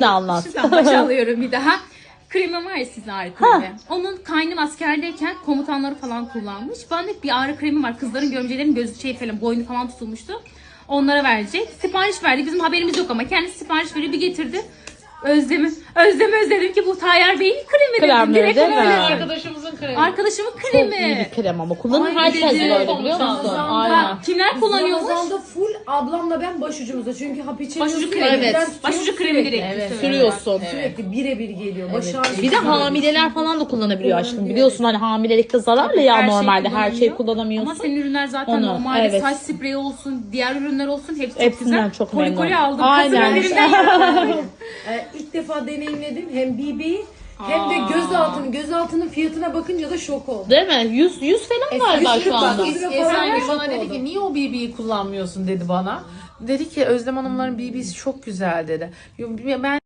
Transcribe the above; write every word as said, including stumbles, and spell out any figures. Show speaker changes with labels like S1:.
S1: Şimdi anlat.
S2: Şuradan başa alıyorum bir daha. Kremi var ya sizin ağrı kremi. Onun kaynım askerdeyken komutanları falan kullanmış. Ben de bir ağrı kremi var. Kızların gömcelerinin gözü şey falan boynu falan tutulmuştu. Onlara verecek. Sipariş verdi. Bizim haberimiz yok ama kendisi sipariş veriyor bir getirdi. Özlem'i, Özlem'i özledim ki bu Tayyar Bey'in kremi dedim.
S1: Kremleri
S2: Direkt
S1: değil mi?
S2: öyle.
S3: Arkadaşımızın kremi.
S2: Arkadaşımın
S1: Çok iyi
S2: kremi.
S1: bir krem ama kullanır
S2: Ay,
S1: herkes
S2: dedim.
S1: böyle biliyor musun?
S3: Ramazan'da-
S1: Aynen.
S2: Ha, kimler kullanıyormuş?
S4: Ramazan'da full ablamla ben başucumuzda. Çünkü hap içemiyorsun.
S2: Başucu kremi.
S4: elden
S1: Evet.
S4: tutuyor,
S2: Başucu kremi
S4: sürekli.
S2: direkt.
S3: Evet.
S1: Sürüyorsun.
S4: Sürekli birebir geliyor. Baş ağrısı.
S1: Bir de hamileler falan da kullanabiliyor aşkım.
S4: Kullanabiliyor.
S1: Biliyorsun hani hamilelikte zararlı ya
S2: Her şey
S1: normalde her şeyi
S2: kullanılıyor.
S1: kullanamıyorsun.
S2: Ama senin ürünler zaten
S1: Onu,
S2: normalde
S1: evet.
S2: saç spreyi olsun, diğer ürünler olsun hepsi çok
S1: Hepsinden
S2: güzel.
S1: çok
S2: Koli
S1: memnunum.
S2: koli aldım.
S1: Aynen.
S2: Kızın ellerinden
S4: Ee, ilk defa deneyimledim. Hem B B'yi hem de gözaltının. Gözaltının fiyatına bakınca da şok oldum.
S1: Değil mi? yüz yüz falan galiba
S4: yüz
S1: şu
S4: bak,
S1: anda.
S4: yüz lira
S3: Esra
S4: falan
S3: Gül bana
S4: şok
S3: dedi
S4: oldum.
S3: ki niye o B B'yi kullanmıyorsun dedi bana. Dedi ki Özlem Hanımların B B'si çok güzel dedi. Ben